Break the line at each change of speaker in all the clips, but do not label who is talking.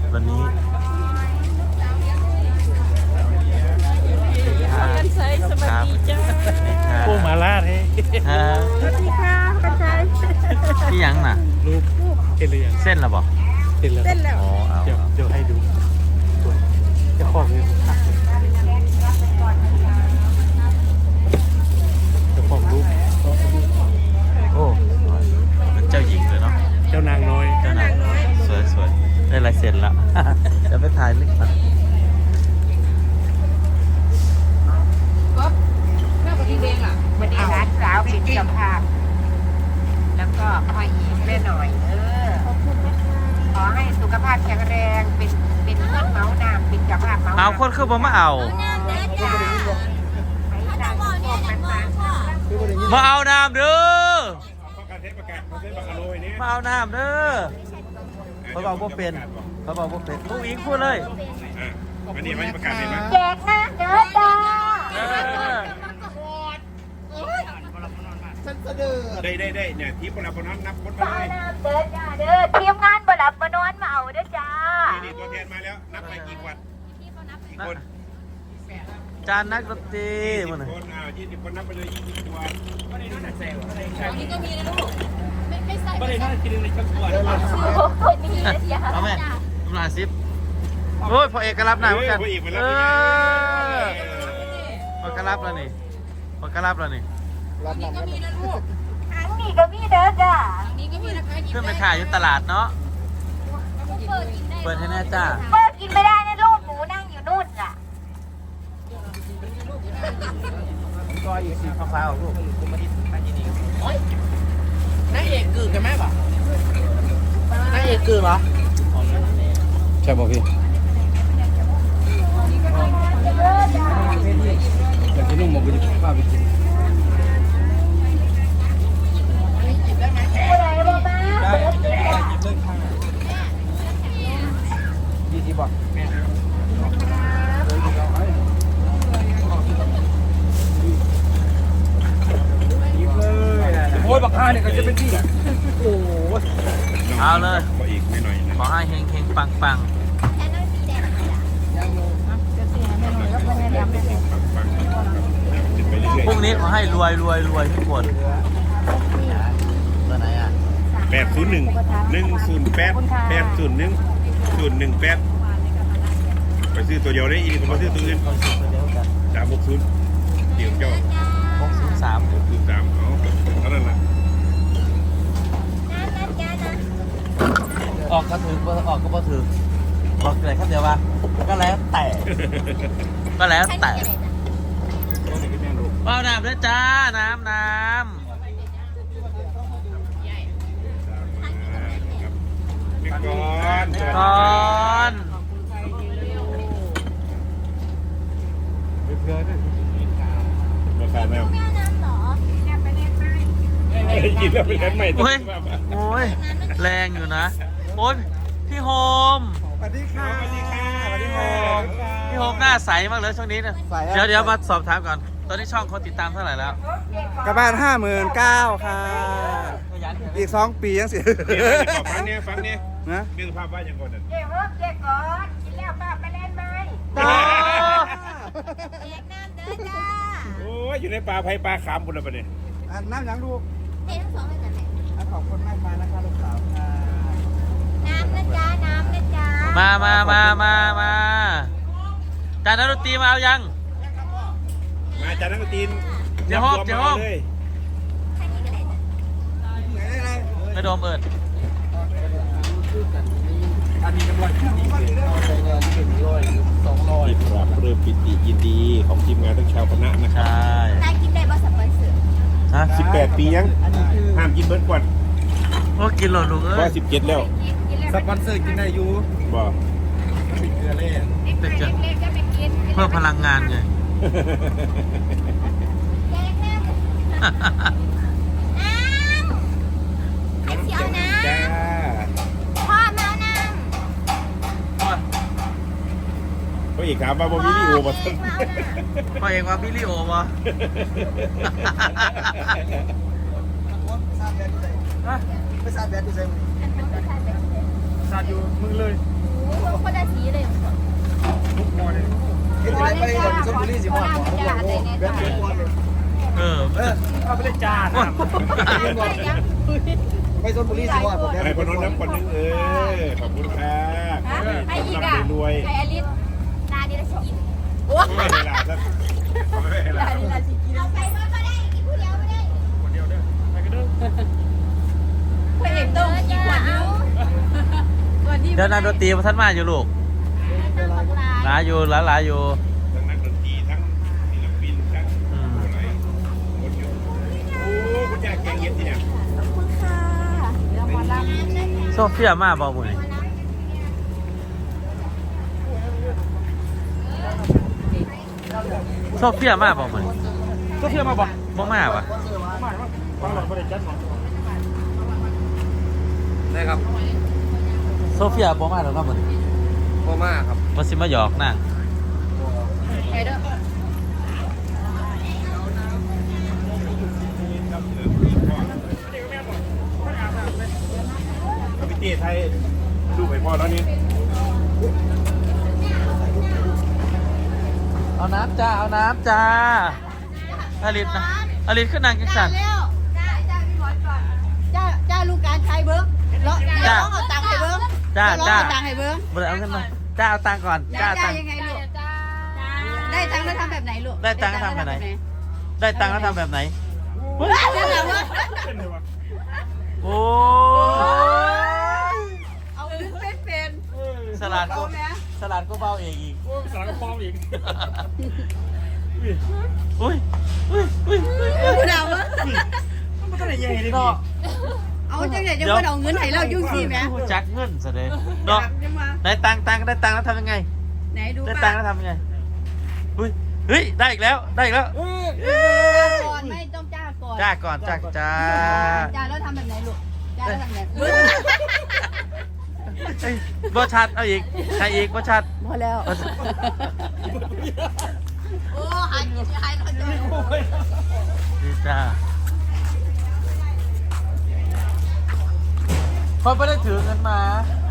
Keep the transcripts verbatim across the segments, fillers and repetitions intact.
วันนี้
กันใช้สวัสดีจ้า
ปูมาลาดให้
ฮะ
สวัสดีค่ะกันใช้
พี่ยังน่ะ
รูปเห็นหรือยัง
เส้นละบอก
เห็นแล้ว
เต้นแล้ว
อ๋อเอา
เดี๋ยวเดี๋ยวให้ดูสวยจะคล้องเลยจะคล้องรูป
โอ้เป็นเจ้าหญิงเลยเนาะ
เจ้านางน้อย
เจ้านายสวยสวยได้ลายเซ็นแล้ว จะไปถ่ายลึกก่อน
วันนี้ร้านสาวเป็นเจ้าภาพแล้วก็พ่ออีกแม่หน่อยเออขอให้สุขภาพแข็งแรงเป็นเป็นเพื่อนเมาส์นามเป็นเจ้าภาพเมาส์
เอาคนคือบ่มาเอา
ให้นางโชคมันมา
มาเอาน้ำเด้อ
ประกาศเทศประกาศเขาเทศประกาศโรยนี้
มาเอาน้ำเด้อเขาบอกว่าเป็นเขาบอกว่าเป็นผู้หญิงพูดเลย
วันนี้มันประกาศเห็นไหม
แจกนะเด้อจ้า
เออ
ได้ได้ได้เนี่ยทีมคนละคนนั้นนับคนมา
จ้า
เลย
น้ำเด้อจ้าเด้อทีมงานบ่หลับบ่นอนมาเอาเด้อจ้า
นี่ตัวแทนมาแล้วนับไปกี่วันกี่คน
จานนักดนตรี
ยี่
มั
สิ
น
บ
น่ะ
คนอ่ายี่สิบคนนับไปเลยยี่สิบตัว
อันนี้ก็มีนะลูกไม่ไม่ใส่
ไม่ได้น่ากินเลยทั้งตัว
คนนี้นะจ้า
เอาไหมตำราซิปโอ้ยพอเอกก็รับหน่อยเหมือนกัน
พออีกไป
เอ
แล้ว
อพอก็รับแล้วนี่พอก็รับแล้วนี่
อันนี้ก็มีนะลูก
อันนี้ก็มีเด้อจ้า
อันนี้ก็มีนะคะหยิบ
ขึ้นไป
ได้
ขายอยู่ตลาดเนาะ
เปิดกินได้
เปิดให้แน่จ้า
เปิดกินไม่ได้นะลูกหนูนั่งอยู่นู่นน่ะ
ก็อีกสีฟ้าๆลูกมาที่มาที่นี่
นางเอกกือกันไหมบ่
นางเอกคือเหรอ
ใช่ป่ะพี่แต่ที่นุ่มบอกว่าจะพาไปกิน
ผู้ใดบ่มาเปิดกินจ้า
ยี่สิบบาท
โอ้ยบักฮาเนี่ยก็จะเป็นที่โอ้ย
เอาเลย
ขออีกไม่หน่อยนะ
ขอให้เฮงเฮงปังปังพรุ่งนี้ขอให้รวยรวยรวยทุกคนตัวไหนอ่ะ
แปดศูนย์หนึ่งหนึ่งศูนย์แปดแปดศูนย์หนึ่งศูนย์หนึ่งแปดไปซื้อตัวเดียวได้อีกผมมาซื้อตัวอื่น
คนสุดเดียวกัน
สามหกศูนย์เดี๋ยวเจ้า
หกศูนย์สาม
หกศูนย์สามเอาเท่านั้นแหละ
ออกก็ถือออกก็บ่ถือบอกเลยครับเดียวว่าก็แล้วแต่ก็แล้วแต่เปล่าน้ำด้วยจ้าน้ำน้
พี่กอน
ำก่อน
ราคาแมวกินแล้วไปแทนใหม่
โอ้ยโอ้ยแรงอยู่นะโอ้ยพี่โฮม
สวัสดีค่ะสวัสดีค่ะสวัสดี
พี่โฮ
ค่ะ
มพี่โฮมหน้าใสมากเลยช่วงนี้เนี่ยเดี๋ยวเดี๋ยวมาสอบถามก่อนตอนนี้ช่องคนติดตามเท่าไหร่แล้ว
กระบาดห้าหมื่นเก้าค่ะ อีกสองปียังเสีย
ฟังเนี่ยฟังเนี่ย
นะ
มีสภาพว่าอย่างก่อนนั่น
เจ๊ฮบเจ๊ก่อนกินแล้วป้าไปเล่นไหม
โอ้
แจกน้ำเด้อจ้า
โอ้ยอยู่ในป่าไผ่ป่าขามบุญละประเดี๋ยว
อันน้ำยังลูก
เจ๊ทั้งสองเลยจ้ะแม่
อ่ะขอบคุณมากมานะคะลูกสาวค่ะ
น้ำนะจ้าน้ำนะจ้า
มามามามามาจานนักดนตรีมาเอายัง
มาจากนักตีน
เดี๋ยวฮอบเดี๋ยวฮอบ
เลย
ไหนอะไร
ไม่โดมเอิด
อันนี้กำลังที่ดีเอาไปเงินถึงร้อยสองร้อย
ปิดรับเรือปิติยินดีของทีมงานทั้งชาวคณะนะค
ใช
รับ่
นายกินได้บ่สปอนเซอร์
ฮะ
สิบแปดปียัง
อันนี้คือ
ห้ามกินเบิร์ดก่อน
โอ้กินหล่นลูกเอ้
ว่าย สิบเจ็ดแล้ว
กินกินแล้ว
สปอนเซอร์กินได้อยู่
บ่
ติดเกลือเล่
แต่เกิด
เล็กๆก็ไปกิน
เพื่อพลังงานไง
แจกน้ำน้ำเป็นเสียวน้
จ้า
ำพ่อมาเอาน้
ก็อีกถามว่าบ่
ำ
มีวิดีโอมา
พ่
สั่น
มาเอาน้
พ่อเอกว่าพี่ลิโอวะ
ไปซาดแบดดูใช่ไหม
ำ
ซาดอยู่มึงเลย
โอ้
คนละสีเลย
เฮ็ดจังไดไปชลบุรีสิฮอดบ่ผมอยากรู้แบตเบิดบ่เลย
เออ
เออ
เอาไปเลยจ้านะ
ไปชลบุรีสิฮอดบ่แบต
ไอ้
เบิ
พ
ด
นน
บ่
น้ำคนนึงเออขอบคุณค่ะ
ไอ้อีก
ร่ำ
อ่ะ
รวย
ไอ้อลิสนาดีละสิกิน
ไม่เวลาสักไม่เวลา
นาดีละสิกินเอาไปก็ได้กินผู้เดียวไม่ได้
คนเดียวเด้อไปกันเด้อ
พระเอกต้องกินขวดนึงก่อนที่
เดี๋ยวนักดนตรีมาท่านมาอยู่ลูกหลายอยู่หลายหลายอยู่
ทั้งนักดนตรีทั้งศิลปินทั้งอะไรคนอยู่โอ้คุณยายแกงเย็นที่เนี่ย
โซเฟียมาบ่บุญโซเฟียมาบ่บุญ
ก็เชื่อมาบอก
บ่มาปะ
ฟังหลังบริจาคหน่อย
ได้ครับ
โซเฟียบ่มาแล้วครับบุญ
บ่มาครับ
มาสิมาหยอกนั่ง
ไปเด้อ
พี่เต้ไทยดูไปพ่อแล้วนี่
เอาน้ำจ้าเอาน้ำจ้าอลิศนะอลิศขึ้นนางกินสัน
เร็วจ้าจ้าพี่บอสก่อนจ้าจ้าลูกการใช้เบิ้งแล้วร้องเอาตังค์ให้เบิ้ง
จ้า
ร้อง
จ้า
เอาตังค์ให้เบิ้ง
บ่ได้เอาเงินมาจ้าเอาตังค์ก่อนจ้า
จ้า
เอาตังค์
ยังไงลูกได้ตังค์แล้วทำแบบไหนลูก
ได้ตังค์แล้วทำแบบไหน ได้ตังค์แล้วทำแบบไหน
ได้แบบว่า
เป็นไงวะ
โอ้ย
เอาลึกไม่เป็น
สลัดก็สลัดก็เบาเองอีก
โอ้สารกระป๋องอีก
อุ้ยอุ้ยอุ้ยอุ้ย
ผู้ดาวมั้ง
มันก็ได้ยังไงดิ
เนาะ
เอาจังไหนจะมาเอาเงินให้เรายุ่งสิแม่
จักเงินซะเลยเนาะได้ตังค์ตังค์ได้ตังค์แล้วทำยังไง
ไหนดู
ได้
ป้า
ตังค์แล้วทำยังไงอุ้ยเฮ้ยได้อีกแล้วได้อีกแล้ว
ก่อนไม่ต้องจ้าก่อน
จ้าก่อนจ้าจ้า
จ้าแล้วทำแบบไหนลูกจ้าแล้วทำแบบ
เฮ้ยบ่ชัดเอาอีกใครอีกบ่ชัด
พอแล้ว
บ่ชัด
โอ้หายหายเราจะ
ดีจ้าพอไม่ได้ถือเงินมา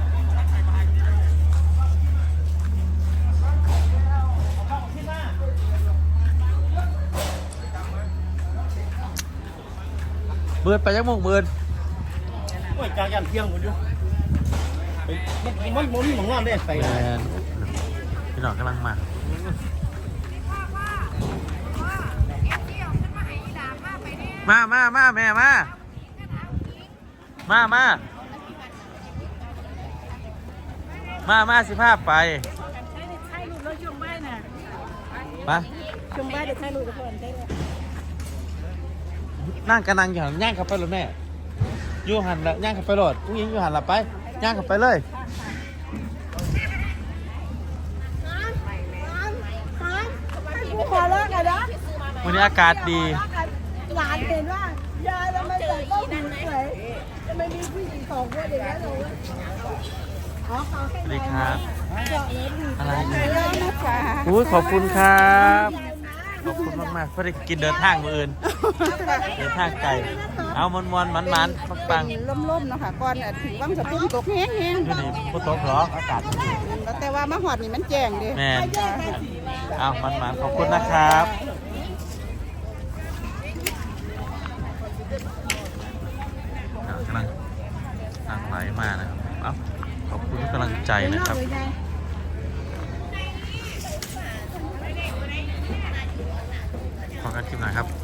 เบิดไปยังมงเบิด
โอ้ยจากยันเที่ยงหมดอยู่มันมันมันมีหมองนอนได้ไป
แมนพี่น้องกำลังมามามามาแม่มา มา มา มา มาสิภาพไปไป
ชมบ้านเด็กให้ลูกทุกคนได้เลย
นั่งกันนั่งอยู่หันย่างขับไปรถแม่อยู่หันละย่างขับไปรถผู้หญิงอยู่หันละไปย่างขับไปเลยวันนี้อากาศดี
หลานเห็นว่ายายทำไมใส่ต้มหูสวยทำไมมีผู้หญิงสองคนอย่างนี้นเลยอ๋อเขา
สวัสดีครับ อะไรเนี่ย
เยอะนะคะ
อุ้ยขอบคุณครับขอบคุณมากๆเพื่อได้กินเดินทางมืออื่นเดินทางไกลเอามวนมวนมันมันปังปัง
ล่มๆเนาะค่ะก่อนถึงว่างสะพุ่มตกแห้ง
ๆอยู่นี่พุทโธหรอกอากาศดี
ๆแล้วแต่ว่ามาหอดนี่มันแจ้งดิ
แม่นเอามันมันขอบคุณนะครับอ่ะกำลังทางไหลมานะครับเอาขอบคุณทุกกำลังใจนะครับขอการคลิปหน่อยครับ